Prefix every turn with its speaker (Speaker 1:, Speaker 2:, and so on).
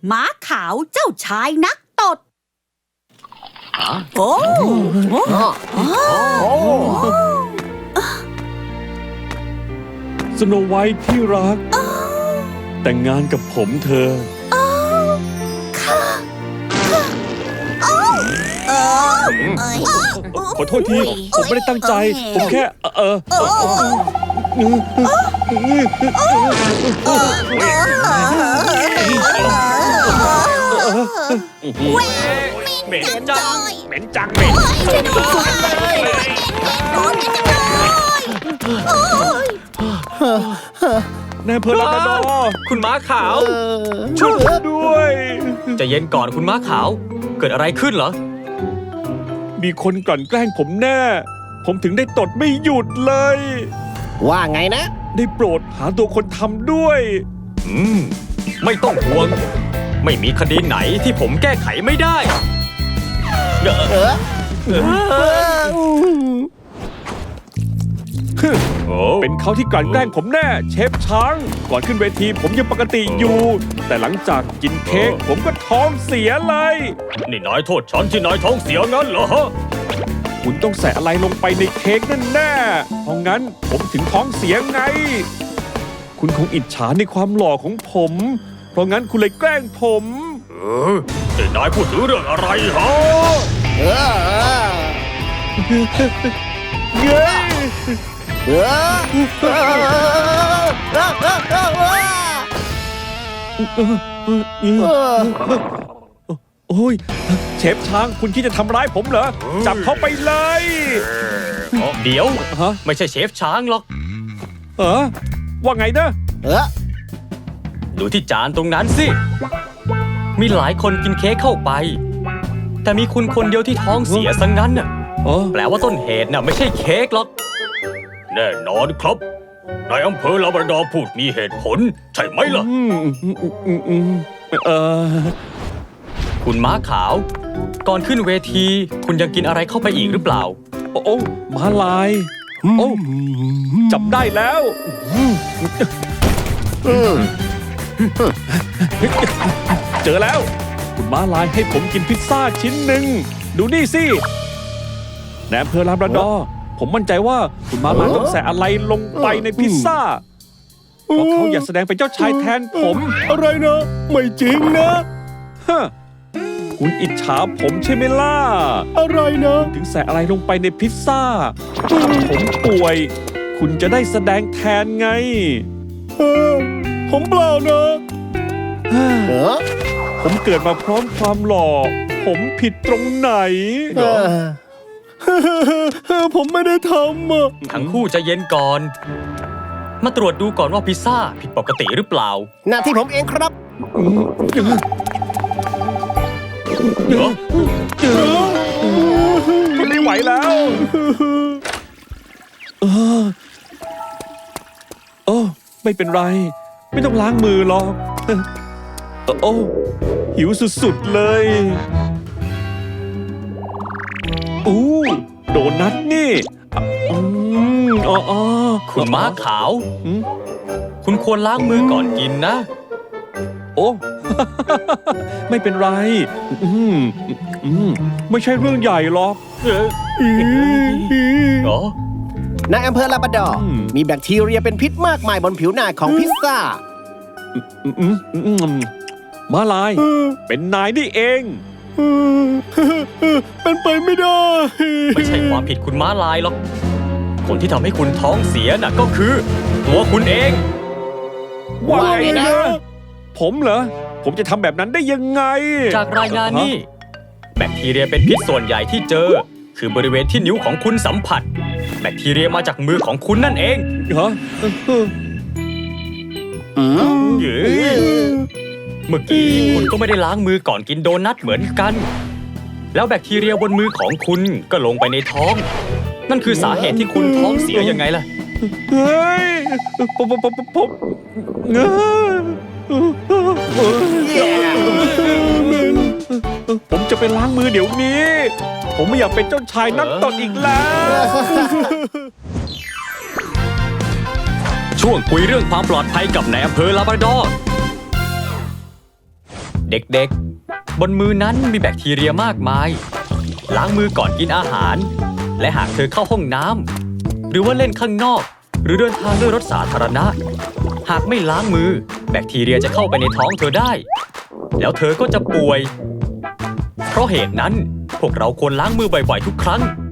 Speaker 1: ม้าขาวเจ้าชายนักตดโอ้
Speaker 2: สโนไวท์ที่รัก แต่งงานกับผมเธอ ขอโทษที ผมไม่ได้ตั้งใจ ผมแค่
Speaker 3: เหม็นจังเหม็นจังเหม็น
Speaker 2: นายอำเภอลาบราดอร์
Speaker 3: คุณม้าขาว
Speaker 2: ช่วยผมด้วย
Speaker 3: ใจะเย็นก่อนคุณม้าขาว เกิดอะไรขึ้นเหรอ
Speaker 2: มีคนกลั่นแกล้งผมแน่ ผมถึงได้ตดไม่หยุดเลย
Speaker 4: ว่าไงนะ
Speaker 2: ได้โปรดหาตัวคนทำด้วย
Speaker 3: ไม่ต้องห่วง ไม่มีคดีไหนที่ผมแก้ไขไม่ได้
Speaker 2: เป็นเขาที่กลั่นแกล้งผมแน่ เชฟช้าง ก่อนขึ้นเวทีผมยังปกติอยู่ แต่หลังจากกินเค้กผมก็ท้องเสียเลย
Speaker 3: นี่นายโทษฉันที่นายท้องเสียงั้นเหรอ
Speaker 2: คุณต้องใส่อะไรลงไปในเค้กนั่นแน่เพราะงั้นผมถึงท้องเสียไง คุณคงอิจฉาในความหล่อของผม เพราะงั้นคุณเลยแกล้งผม
Speaker 3: นี่นายพูดถึงเรื่องอะไรฮะ
Speaker 2: เย้โอ้ยเชฟช้างคุณคิดจะทำร้ายผมเหรอ จับเขาไปเลย
Speaker 3: เดี๋ยว
Speaker 2: ฮะ
Speaker 3: ไม่ใช่เชฟช้างหรอก
Speaker 2: ว่าไงนะ
Speaker 3: ดูที่จานตรงนั้นสิ มีหลายคนกินเค้กเข้าไป แต่มีคุณคนเดียวที่ท้องเสียซะงั้นน่ะ แปลว่าต้นเหตุน่ะไม่ใช่เค้กหรอก แน่นอนครับ นายอำเภอลาบราดอร์พูดมีเหตุผล ใช่ไหมล่ะ คุณม้าขาว ก่อนขึ้นเวที คุณยังกินอะไรเข้าไปอีกหรือเปล่า
Speaker 2: โอ้ม้าลาย โอ้จับได้แล้ว เจอแล้ว คุณม้าลายให้ผมกินพิซซ่าชิ้นหนึ่ง ดูนี่สิในอำเภอลาบราดอร์ผมมั่นใจว่าคุณม้าลายต้องใส่อะไรลงไปในพิซซ่า เพราะเขาอยากแสดงเป็นเจ้าชายแทนผม
Speaker 4: อะไรนะ ไม่จริงนะ
Speaker 2: ฮะคุณอิจฉาผมใช่ไหมล่ะ
Speaker 4: อะไรนะ
Speaker 2: ถึงใส่อะไรลงไปในพิซซ่า ผมป่วย คุณจะได้แสดงแทนไง
Speaker 4: ผมเปล่านะ
Speaker 2: ผมเกิดมาพร้อมความหล่อ ผมผิดตรงไหน
Speaker 4: ผมไม่ได้ทำอ่ะ
Speaker 3: ทั้งคู่ใจะเย็นก่อน มาตรวจดูก่อนว่าพิซซ่าผิดปกติหรือเปล่า
Speaker 4: หน้าที่ผมเองครับ
Speaker 2: ทนไม่ไหวแล้วไม่เป็นไร ไม่ต้องล้างมือหรอกโอ้หิวสุดๆเลยโดนัทนี่
Speaker 3: คุณม้าขาว คุณควรล้างมือก่อนกินนะ
Speaker 2: โอ้ ไม่เป็นไรไม่ใช่เรื่องใหญ่หรอก
Speaker 4: ในอำเภอลาบราดอร์มีแบคทีเรียเป็นพิษมากมายบนผิวหน้าของพิซซ่า
Speaker 2: ม้าลาย เป็นนายนี่เอง
Speaker 4: เป็นไปไม่ได้
Speaker 3: ไม่ใช่ความผิดคุณม้าลายหรอก คนที่ทำให้คุณท้องเสียน่ะก็คือ ตัวคุณเอง
Speaker 2: ว่าไงนะ ผมเหรอ ผมจะทำแบบนั้นได้ยังไง
Speaker 3: จากรายงานนี่ แบคทีเรียเป็นพิษส่วนใหญ่ที่เจอ คือบริเวณที่นิ้วของคุณสัมผัส แบคทีเรียมาจากมือของคุณนั่นเอง
Speaker 2: ฮะ
Speaker 3: เมื่อกี้คุณก็ไม่ได้ล้างมือก่อนกินโดนัทเหมือนกัน แล้วแบคทีเรียบนมือของคุณก็ลงไปในท้อง นั่นคือสาเหตุที่คุณท้องเสียยังไงล่ะ
Speaker 2: เฮ้ยผมจะไปล้างมือเดี๋ยวนี้ ผมไม่อยากเป็นเจ้าชายนักตดอีกแล้ว
Speaker 3: ช่วงคุยเรื่องความปลอดภัยกับนายอำเภอลาบราดอร์ เเด็กๆ บนมือนั้นมีแบคทีเรียมากมาย ล้างมือก่อนกินอาหาร และหากเธอเข้าห้องน้ำหรือว่าเล่นข้างนอก หรือเดินทางด้วยรถสาธารณะ หากไม่ล้างมือแบคทีเรียจะเข้าไปในท้องเธอได้ แล้วเธอก็จะป่วย เพราะเหตุนั้นพวกเราควรล้างมือบ่อยๆทุกครั้ง